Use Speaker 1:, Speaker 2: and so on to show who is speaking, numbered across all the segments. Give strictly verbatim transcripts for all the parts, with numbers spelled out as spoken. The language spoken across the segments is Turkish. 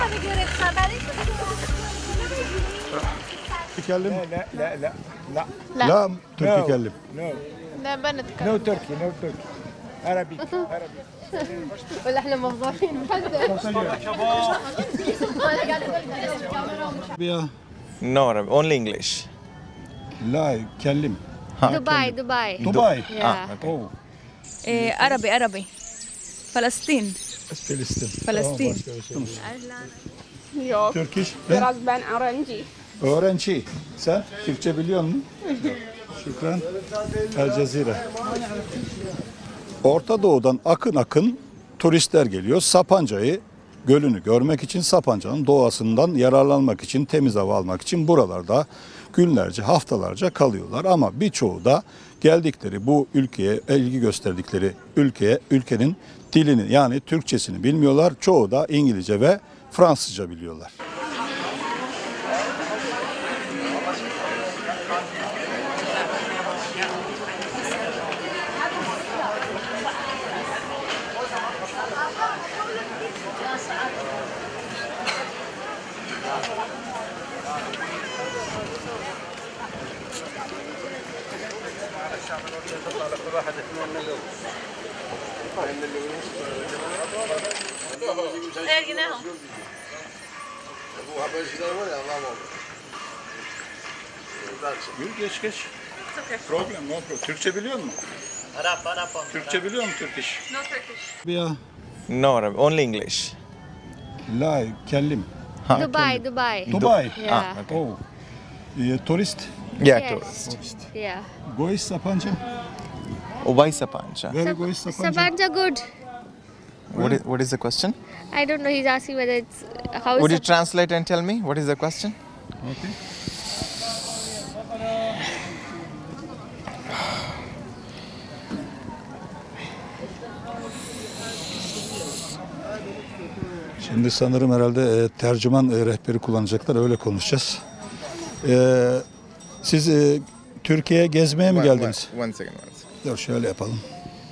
Speaker 1: تتكلم؟
Speaker 2: لا لا لا لا
Speaker 3: لا
Speaker 1: لا تركي
Speaker 2: No.
Speaker 1: كلم.
Speaker 2: نو
Speaker 3: لا بنتكلم
Speaker 2: نو تركي نو تركي عربي عربي
Speaker 3: ولا احنا مفضوحين
Speaker 1: يا
Speaker 4: No Arabic, only English.
Speaker 1: لا كلم.
Speaker 3: دبي دبي
Speaker 1: دبي.
Speaker 3: يا
Speaker 1: أوه.
Speaker 5: إيه عربي عربي فلسطين
Speaker 1: فلسطين.
Speaker 5: فلسطين.
Speaker 6: Yok.
Speaker 1: Turkish.
Speaker 6: Biraz ben öğrenci.
Speaker 1: Öğrenci. Sen Türkçe biliyor musun? Şükran. El Cezire. Orta Doğu'dan akın akın turistler geliyor. Sapanca'yı, gölünü görmek için, Sapanca'nın doğasından yararlanmak için, temiz hava almak için buralarda günlerce, haftalarca kalıyorlar. Ama birçoğu da geldikleri bu ülkeye, ilgi gösterdikleri ülkeye, ülkenin dilini yani Türkçesini bilmiyorlar. Çoğu da İngilizce ve Fransızca biliyorlar. Yürü geç geç. Problem no problem. Türkçe biliyor musun?
Speaker 7: Arap, Arap.
Speaker 1: Türkçe biliyor musun Turkish?
Speaker 6: No Turkish.
Speaker 1: Ya
Speaker 4: No Arabic, only English.
Speaker 1: la kellim.
Speaker 3: دبي دبي
Speaker 1: Dubai.
Speaker 3: يا
Speaker 1: Oh. E, turist.
Speaker 4: Yeah,
Speaker 3: Yes.
Speaker 4: tourist.
Speaker 3: يا
Speaker 1: Gois Sapanca.
Speaker 4: Ubay Sapancha.
Speaker 1: Very Gois Sapanca.
Speaker 3: Sabancı good.
Speaker 4: What is, what is the question?
Speaker 3: I don't know, he's asking whether it's how is
Speaker 4: Would you
Speaker 3: Sab-
Speaker 4: translate and tell me what is the question?
Speaker 1: Okay. Şimdi sanırım herhalde e, tercüman e, rehberi kullanacaklar. Öyle konuşacağız. E, siz e, Türkiye'ye gezmeye mi geldiniz?
Speaker 4: One, one second, one second.
Speaker 1: Dur şöyle yapalım.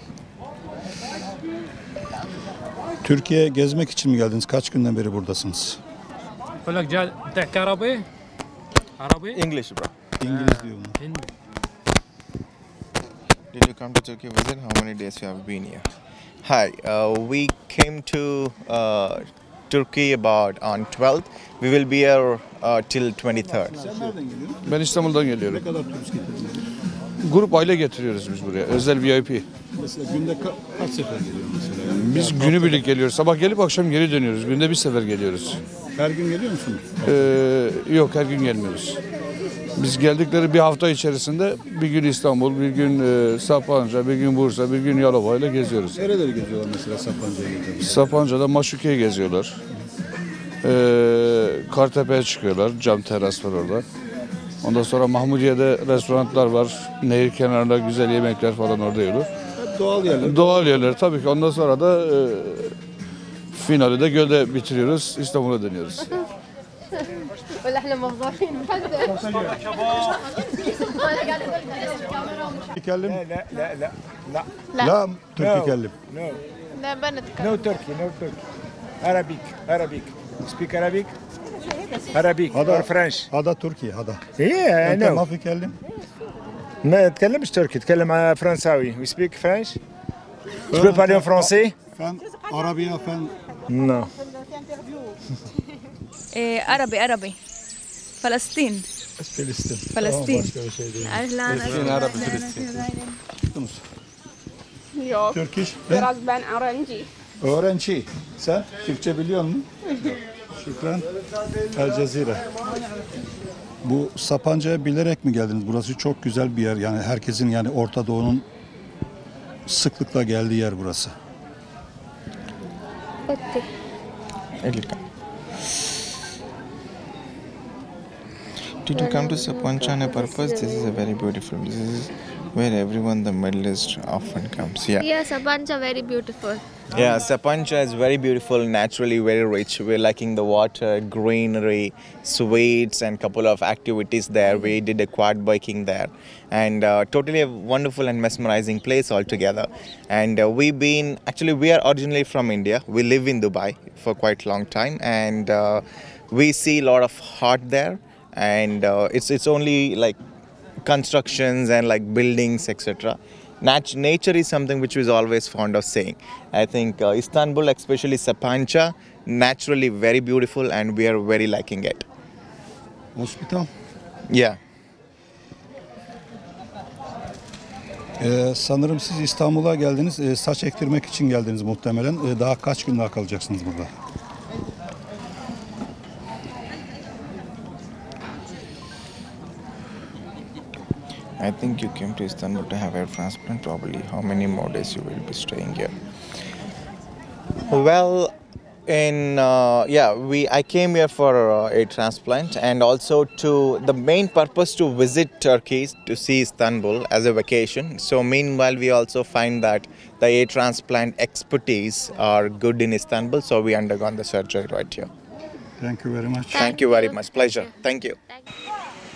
Speaker 1: Türkiye'ye gezmek için mi geldiniz? Kaç günden beri buradasınız?
Speaker 7: بقول لك جاي تحكي عربي؟ عربي؟
Speaker 4: English, bro.
Speaker 1: İngiliz diyor bunu.
Speaker 7: هندي.
Speaker 4: Did you come to Turkey visit? How many days you have been here? Hi, uh, we came to uh, Turkey about on twelfth. We will be here uh, till twenty-third.
Speaker 1: Sen nereden geliyorsun?
Speaker 8: Ben İstanbul'dan geliyorum.
Speaker 1: Ne kadar turist getirdiniz?
Speaker 8: Grup aile getiriyoruz biz buraya. Özel V I P.
Speaker 1: Mesela günde ka- kaç sefer geliyor mesela? Yani
Speaker 8: Biz günübirlik geliyoruz. Sabah gelip akşam geri dönüyoruz. Günde bir sefer geliyoruz.
Speaker 1: her gün geliyor musunuz?
Speaker 8: Ee, yok her gün gelmiyoruz. Biz geldikleri bir hafta içerisinde bir gün İstanbul, bir gün e, Sapanca, bir gün Bursa, bir gün Yalova ile geziyoruz.
Speaker 1: Nereleri geziyorlar mesela Sapanca'ya geziyorlar?
Speaker 8: Sapanca'da Maşuke'ye geziyorlar. Ee, Kartepe'ye çıkıyorlar. Cam teras var orada. Ondan sonra Mahmudiye'de restoranlar var. Nehir kenarında güzel yemekler falan orada yiyorlar.
Speaker 1: Hep doğal yerler.
Speaker 8: Doğal yerler tabii ki. Ondan sonra da e, finali de gölde bitiriyoruz. İstanbul'a dönüyoruz.
Speaker 3: ولا احنا مفضوحين
Speaker 1: Tükellim.
Speaker 2: لا لا لا لا
Speaker 3: لا
Speaker 1: La Türkçe kellim.
Speaker 2: نو
Speaker 3: لا بنتكلم
Speaker 2: نو تركي نو تركي Arabic Arabic speak Arabic Arabic or French
Speaker 1: Hada Türkiye hada.
Speaker 2: yeah I
Speaker 1: Ente
Speaker 2: know
Speaker 1: ma fi kellim.
Speaker 2: ما تكلمش تركي تكلم فرنساوي we speak French tu peux parler en français
Speaker 1: Fen Arabiya fen
Speaker 2: non
Speaker 5: إيه عربي عربي فلسطين
Speaker 1: Filistin.
Speaker 5: Filistin.
Speaker 1: Tamam, başka bir şey değil.
Speaker 5: أهلا
Speaker 1: Tunus.
Speaker 6: Yok.
Speaker 1: Turkish. Ben
Speaker 6: Biraz ben öğrenci.
Speaker 1: öğrenci. Sen Türkçe biliyor musun? Şükran. El Cezire. Bu Sapanca'ya bilerek mi geldiniz? Burası çok güzel bir yer. Yani herkesin yani Orta Doğu'nun sıklıkla geldiği yer burası.
Speaker 4: Did you come to Sapancha on a purpose? This is a very beautiful. This is where everyone, the Middle East, often comes. Yeah.
Speaker 3: Yeah, Sapanca very beautiful.
Speaker 4: Yeah, Sapanca is very beautiful, naturally very rich. We're liking the water, greenery, sweets, and couple of activities there. We did a quad biking there, and uh, totally a wonderful and mesmerizing place altogether. And uh, we've been actually we are originally from India. We live in Dubai for quite a long time, and uh, we see a lot of art there. And uh, it's it's only like constructions and like buildings, et cetera. Nat- nature is something which was always fond of saying. I think uh, Istanbul, especially Sapanca, naturally very beautiful, and we are very liking it.
Speaker 1: Hospital.
Speaker 4: Yeah.
Speaker 1: Ee, sanırım siz İstanbul'a geldiniz. Ee, saç ektirmek için geldiniz muhtemelen. Ee, daha kaç gün daha kalacaksınız burada?
Speaker 4: I think you came to Istanbul to have hair transplant. Probably, how many more days you will be staying here? Well, in uh, yeah, we I came here for uh, a transplant, and also to the main purpose to visit Turkey to see Istanbul as a vacation. So meanwhile, we also find that the a transplant expertise are good in Istanbul. So we undergone the surgery right here.
Speaker 1: Thank you very much.
Speaker 4: Thank you very much. Pleasure. Thank you.
Speaker 3: Thank you.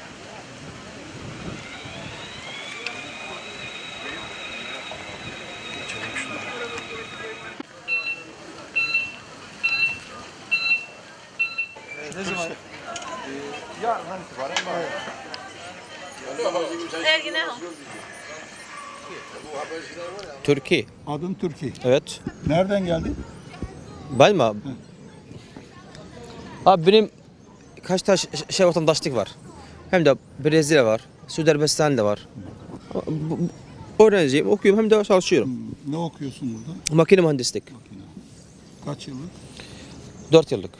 Speaker 9: Türkiye.
Speaker 1: Adın Türkiye.
Speaker 9: Evet.
Speaker 1: Nereden geldin?
Speaker 9: Ben mi abi? Abi benim kaç tane ş- şey vatandaşlık var. Hem de Brezilya var, Suudi Arabistan da var. Bu- bu- Öğrenciyim, okuyorum hem de çalışıyorum.
Speaker 1: Ne okuyorsun burada?
Speaker 9: Makine mühendislik.
Speaker 1: Kaç yıllık?
Speaker 9: dört yıllık.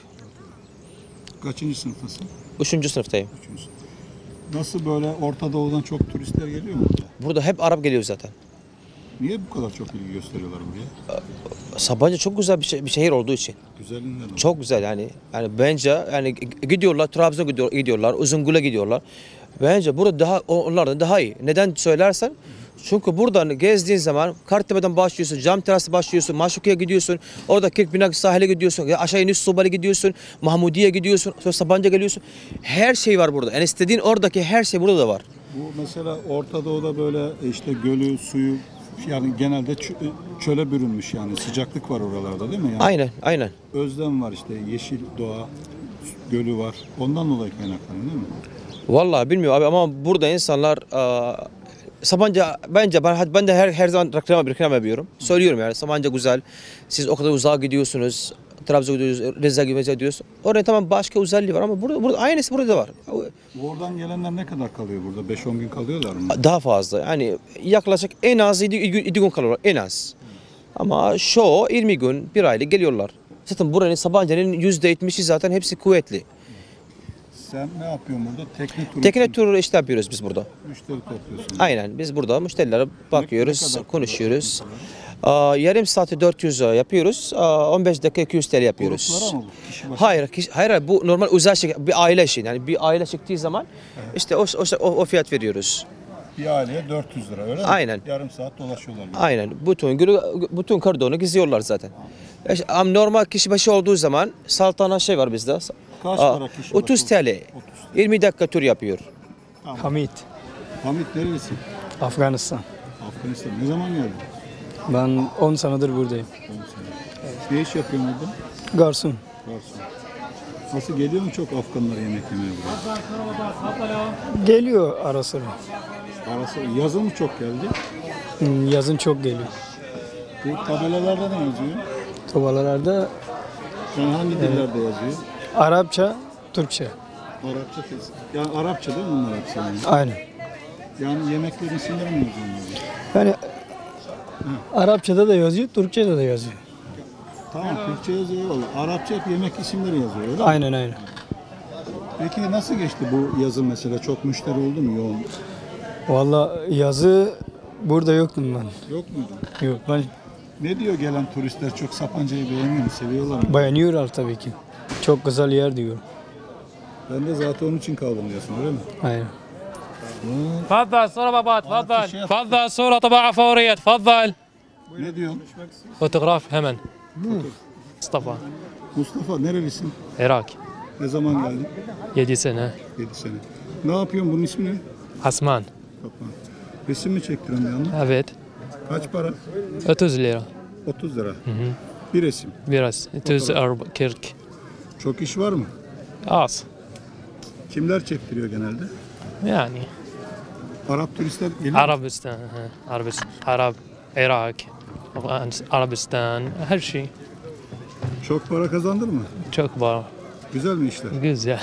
Speaker 1: Kaçıncı sınıftasın?
Speaker 9: Üçüncü sınıftayım.
Speaker 1: Üçüncü sınıf. Nasıl böyle Orta Doğu'dan çok turistler geliyor mu burada?
Speaker 9: Burada hep Arap geliyor zaten.
Speaker 1: Niye bu kadar çok ilgi gösteriyorlar buraya?
Speaker 9: Sabancı çok güzel bir, şey, bir şehir olduğu için.
Speaker 1: Güzelinden mi?
Speaker 9: Çok güzel yani. Yani bence yani gidiyorlar, Trabzon'a gidiyor, gidiyorlar, Uzungul'a gidiyorlar. Bence burada daha onlardan daha iyi. Neden söylersen? Çünkü buradan gezdiğin zaman Kartepe'den başlıyorsun, Cam Terası başlıyorsun, Maşuki'ye gidiyorsun, orada Kirkbinak sahile gidiyorsun, aşağı iniş Sobali gidiyorsun, Mahmudiye gidiyorsun, sonra Sabancı'ya geliyorsun. Her şey var burada. Yani istediğin oradaki her şey burada da var.
Speaker 1: Bu mesela Orta Doğu'da böyle işte gölü, suyu yani genelde çö- çöle bürünmüş yani sıcaklık var oralarda değil mi? Yani
Speaker 9: Aynen, aynen.
Speaker 1: özlem var işte yeşil doğa, gölü var. Ondan dolayı kaynaklanıyor değil mi?
Speaker 9: Vallahi bilmiyorum abi ama burada insanlar eee, Sabancı bence ben, ben de her her zaman reklam reklam yapıyorum. Söylüyorum yani Sabancı güzel. Siz o kadar uzağa gidiyorsunuz. Trabzon'a gidiyorsunuz, Rize'ye gidiyorsunuz. Orada tamam başka özelliği var ama burada, burada aynısı burada var.
Speaker 1: Oradan gelenler ne kadar kalıyor burada? beş on gün kalıyorlar mı?
Speaker 9: Daha fazla. Yani yaklaşık en az yedi gün kalıyorlar en az. Ama şu yirmi gün, bir aylık geliyorlar. Zaten buranın Sabancı'nın yüzde yetmişi zaten hepsi kuvvetli.
Speaker 1: Sen ne yapıyorsun burada? Tekne turu
Speaker 9: Tekne
Speaker 1: için
Speaker 9: turu işte yapıyoruz biz burada.
Speaker 1: müşteri topluyorsun.
Speaker 9: Aynen biz burada müşterilere bakıyoruz,
Speaker 1: ne kadar
Speaker 9: konuşuyoruz. Aa, yarım saati dört yüz yapıyoruz, aa, on beş dakika iki yüz T L yapıyoruz.
Speaker 1: Gruplara mı bu? Kişi başı-
Speaker 9: Hayır, kişi- hayır, hayır, bu normal özel şey, bir aile işi. Yani bir aile çıktığı zaman işte o, o, o fiyat veriyoruz.
Speaker 1: Bir aileye dört yüz lira öyle mi?
Speaker 9: Aynen.
Speaker 1: Yarım saat dolaşıyorlar. böyle.
Speaker 9: Aynen. Bütün günü, bütün kordonu geziyorlar zaten. İşte, ama normal kişi başı olduğu zaman saltana şey var bizde.
Speaker 1: Kaç
Speaker 9: Aa,
Speaker 1: para kişi
Speaker 9: otuz
Speaker 1: başı?
Speaker 9: T L. yirmi dakika tur yapıyor.
Speaker 10: Hamit,
Speaker 1: Hamit nerelisin?
Speaker 10: Afganistan.
Speaker 1: Afganistan. Ne zaman geldin?
Speaker 10: Ben on senedir buradayım.
Speaker 1: Ne iş yapıyorsun burada?
Speaker 10: Garson.
Speaker 1: Garson. Nasıl geliyor mu çok Afganlar yemek yemeye buraya?
Speaker 10: Geliyor ara sıra.
Speaker 1: Arası yazın mı çok geldi?
Speaker 10: Hmm, Yazın çok geliyor.
Speaker 1: Bu tabelalarda ne yazıyor?
Speaker 10: Tuvalarda
Speaker 1: Yani hangi dillerde yazıyor?
Speaker 10: Arapça, Türkçe.
Speaker 1: Arapça kes. Yani Arapça değil mi bunlar hepsi yani?
Speaker 10: Aynen.
Speaker 1: Yani yemeklerin isimleri mi yazıyor? onlarda?
Speaker 10: Yani Arapçada da yazıyor, Türkçe'de de yazıyor.
Speaker 1: Tamam Türkçe yazıyor. Arapça hep yemek isimleri yazıyor öyle mi?
Speaker 10: Aynen aynen.
Speaker 1: Peki nasıl geçti bu yazın mesela? Çok müşteri oldu mu yoğun?
Speaker 10: Vallahi yazı burada yoktum ben.
Speaker 1: Yok muydu?
Speaker 10: Yok ben
Speaker 1: Ne diyor gelen turistler? Çok Sapanca'yı beğeniyor mu? Seviyorlar mı?
Speaker 10: beğeniyorlar tabii ki. Çok güzel yer diyor.
Speaker 1: Ben de zaten onun için kaldım diyorsun öyle mi?
Speaker 10: Aynen.
Speaker 7: تفضل صورة بابا تفضل
Speaker 1: شيخ.
Speaker 7: تفضل صورة طباعة فورية تفضل.
Speaker 1: Ne diyorsun?
Speaker 7: فوتوغراف hemen. Mustafa.
Speaker 1: Mustafa nerelisin?
Speaker 7: Irak.
Speaker 1: Ne zaman geldin?
Speaker 7: yedi sene.
Speaker 1: yedi sene. Ne yapıyorsun? Bunun ismi ne?
Speaker 7: Asman.
Speaker 1: Kaplan. Resim mi çektiriyorsun bir yandan?
Speaker 7: Evet.
Speaker 1: Kaç para?
Speaker 7: otuz lira.
Speaker 1: otuz lira. Bir resim.
Speaker 7: Biraz. otuz kırk.
Speaker 1: Çok iş var mı?
Speaker 7: Az.
Speaker 1: Kimler çektiriyor genelde?
Speaker 7: Yani.
Speaker 1: Arap turistler geliyor mu?
Speaker 7: Arabistan. ha, Arabistan. Arap. Irak. Afgan- Arabistan. Her şey.
Speaker 1: Çok para kazandır mı?
Speaker 7: Çok var.
Speaker 1: Güzel mi işler?
Speaker 7: Güzel.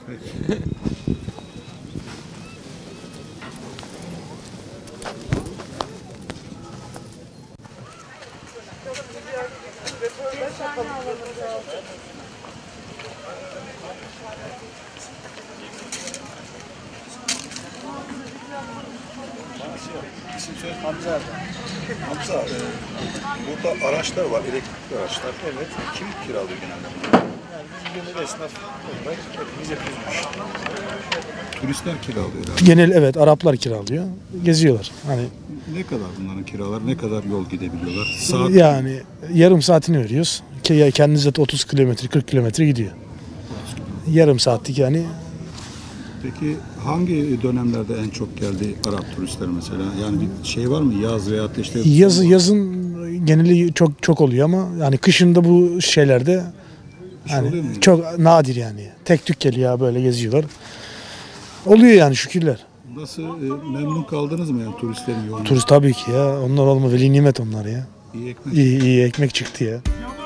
Speaker 1: İsim söyle. Hamza. Hamza, e, burada araçlar var, elektrikli araçlar. Evet. Kim kiralıyor genelde bunları? Yani bizim esnaf olarak hepimiz yapıyoruz. Turistler kiralıyor herhalde.
Speaker 10: Genel evet Araplar kiralıyor. Geziyorlar. Hani
Speaker 1: Ne kadar bunların kiralar, ne kadar yol gidebiliyorlar? Saat
Speaker 10: yani yarım saatini veriyoruz. Ki ya kendiniz de otuz kilometre kırk kilometre gidiyor. Yarım saatlik yani.
Speaker 1: Peki hangi dönemlerde en çok geldi Arap turistler mesela? Yani bir şey var mı? Yaz veya işte
Speaker 10: Yazı yazın geneli çok çok oluyor ama yani kışında bu şeylerde
Speaker 1: Bir şey oluyor mu?
Speaker 10: hani çok nadir yani. Tek tük geliyor böyle geziyorlar. Oluyor yani şükürler.
Speaker 1: Nasıl e, memnun kaldınız mı yani turistlerin yoğunluğu?
Speaker 10: Turist tabii ki ya. Onlar olma veli nimet onlar ya.
Speaker 1: İyi ekmek.
Speaker 10: İyi iyi ekmek çıktı ya.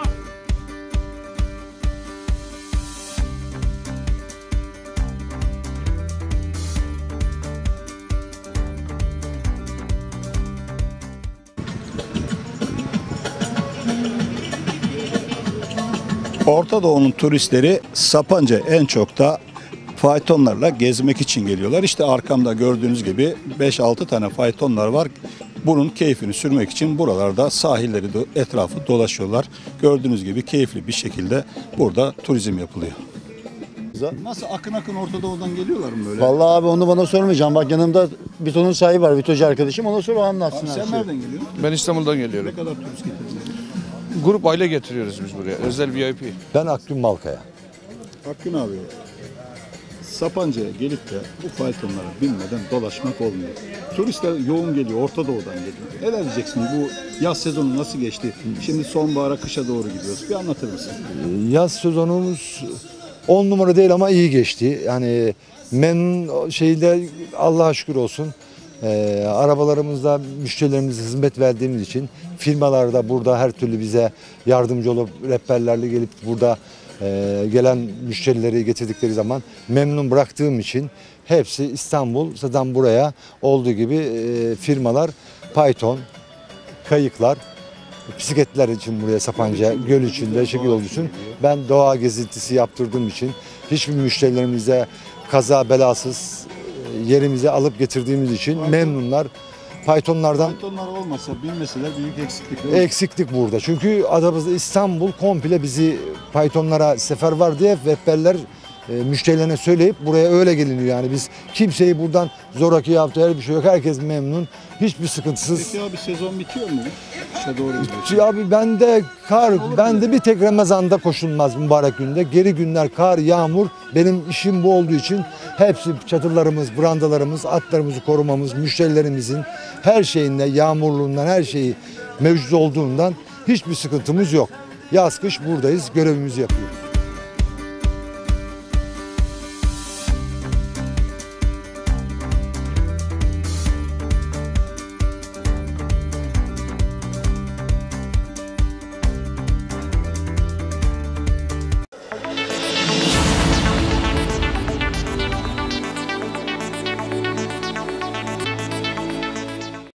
Speaker 1: Orta Doğu'nun turistleri Sapanca en çok da faytonlarla gezmek için geliyorlar. İşte arkamda gördüğünüz gibi beş altı tane faytonlar var. Bunun keyfini sürmek için buralarda sahilleri do- etrafı dolaşıyorlar. Gördüğünüz gibi keyifli bir şekilde burada turizm yapılıyor. Nasıl akın akın Orta Doğu'dan geliyorlar mı böyle?
Speaker 11: Vallahi abi onu bana sormayacağım. Bak yanımda Vito'nun sahibi var. Vitocu arkadaşım. Ona sor o anlatsın.
Speaker 1: Abi
Speaker 11: her
Speaker 1: sen
Speaker 11: şeyi.
Speaker 1: nereden geliyorsun?
Speaker 8: Ben İstanbul'dan geliyorum.
Speaker 1: Ne kadar turist getirdin?
Speaker 8: Grup aile getiriyoruz biz buraya. Özel V I P.
Speaker 11: Ben Akgün Malkaya.
Speaker 1: Akgün abi, Sapanca'ya gelip de bu faytonlara binmeden dolaşmak olmuyor. Turistler yoğun geliyor, Orta Doğu'dan geliyor. Neler diyeceksin? Bu yaz sezonu nasıl geçti? Şimdi sonbahara, kışa doğru gidiyoruz. Bir anlatır mısın?
Speaker 11: Yaz sezonumuz on numara değil ama iyi geçti. Yani memnun şeyde Allah'a şükür olsun. Ee, arabalarımızda müşterilerimize hizmet verdiğimiz için firmalarda burada her türlü bize yardımcı olup rehberlerle gelip burada e, gelen müşterileri getirdikleri zaman memnun bıraktığım için hepsi İstanbul zaten buraya olduğu gibi e, firmalar Python, kayıklar, bisikletler için buraya Sapanca, göl içinde, şekil olduğu için ben doğa gezintisi yaptırdığım için hiçbir müşterilerimize kaza belasız e, yerimize alıp getirdiğimiz için memnunlar. Pythonlardan
Speaker 1: Faytonlar olmasa, binmeseler büyük eksiklik. değil mi?
Speaker 11: eksiklik burada. Çünkü adamızda İstanbul komple bizi Pythonlara sefer var diye rehberler e, müşterilerine söyleyip buraya öyle geliniyor. Yani biz kimseyi buradan zoraki yaptığı her bir şey yok. Herkes memnun. Hiçbir sıkıntısız.
Speaker 1: Peki abi sezon bitiyor mu? Kışa doğru gidiyor.
Speaker 11: Çünkü Abi bende kar, bende bir tek Ramazan'da koşulmaz mübarek günde. Geri günler kar, yağmur. Benim işim bu olduğu için hepsi çadırlarımız, brandalarımız, atlarımızı korumamız, müşterilerimizin her şeyinde, yağmurluğundan her şeyi mevcut olduğundan hiçbir sıkıntımız yok. Yaz kış buradayız, görevimizi yapıyoruz.